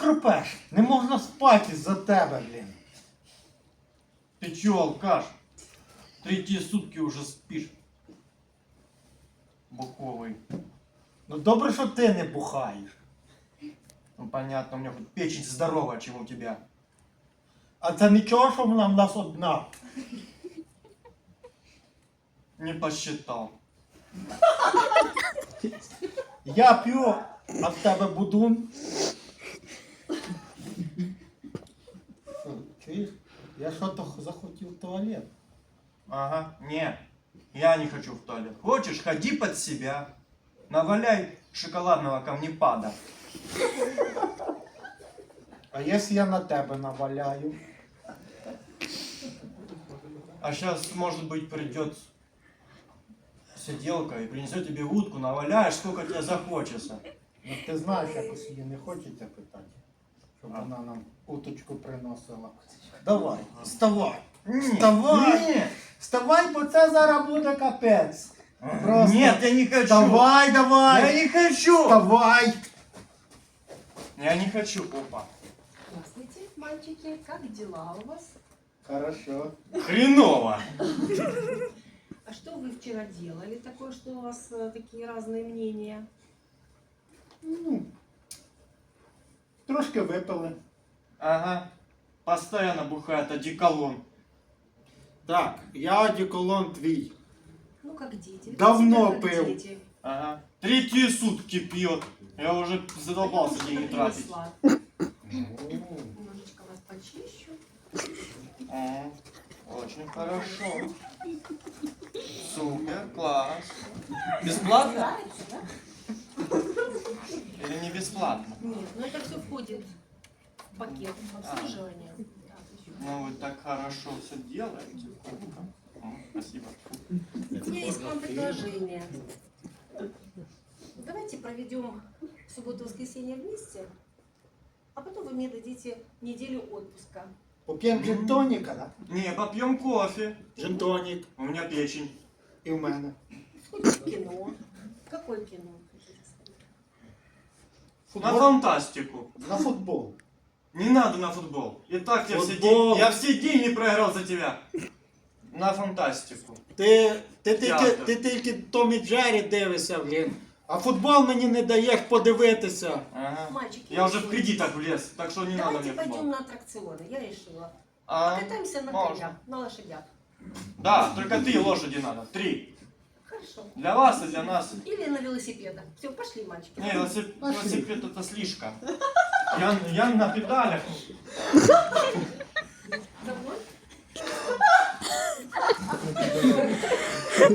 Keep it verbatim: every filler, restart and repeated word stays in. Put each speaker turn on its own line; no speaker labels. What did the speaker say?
хрипеш? Не можна спати із-за тебе, блін.
Ты чё, алкаш? Третьи сутки уже спишь. Буковый.
Ну добре, що ти не бухаєш.
Ну понятно, у меня хоть печень здоровая, чем у тебя.
А це нічого, що вона в нас одна.
Не посчитал.
Я п'ю, а в тебе будун. Що, чуєш? Я що-то захотів в туалет.
Ага, не, я не хочу в туалет. Хочешь, ходи под себя. Наваляй шоколадного камнепада.
А якщо я на тебе наваляю?
А сейчас, может быть, придет сиделка и принесет тебе утку, наваляешь, сколько тебе захочется.
Ну ти знаєш, якось її не хочеться питати, щоб вона нам уточку приносила. Давай, вставай. Вставай!
Не,
Вставай, бо це зараз буде капець. Просто
Нет, я не хочу.
Вставай, давай!
Я не хочу.
Вставай!
Я не хочу. Опа.
Здравствуйте, мальчики. Как дела у вас?
Хорошо.
Хреново.
А что вы вчера делали такое, что у вас э, такие разные мнения?
Ну, трошки випили.
Ага. Постоянно бухает одеколон.
Так, я одеколон твій.
Ну, как дети.
Давно
Всегда как
пил.
дети.
Ага. Третьи сутки пьет. Я уже задолбался
Я
деньги
немножко
тратить.
принесла. Немножечко вас почищу.
М, Очень хорошо. Супер, класс. Бесплатно?
Нравится, да?
Или не бесплатно?
Нет, но это все входит в пакет обслуживания. Так, еще.
Ну вы так хорошо все делаете. М, Спасибо.
У меня есть к вам предложение. Давайте проведем субботу-воскресенье вместе, а потом вы мне дадите неделю отпуска.
Поп'ємо джин-тоніка, да?
Не, попьем кофе.
Джин-тонік.
У меня печень.
І в мене.
Сходим в кино. Какое кино? хотите сходить?
На
Футбол.
фантастику.
На футбол.
Не надо на футбол. И так я все,
Футбол.
день, я все деньги проиграл за тебя. На фантастику.
Ти, ти, тільки,
Театр.
ти тільки Том і Джері дивишся, блін. А футбол мені не даєш подивитися.
Ага.
Мальчики,
Я уже в
решили.
кредитах влез, так что не надо
Давайте
мне
пойдем
футбол.
на аттракционы, я решила.
А,
Покатаемся на
можно.
конях, на лошадях.
Да, только три лошади надо. Три.
Хорошо.
Для вас и для нас.
Или на велосипедах. Все, пошли, мальчики.
Не, велосипед,
Пошли.
велосипед это слишком. Я, я на педалях.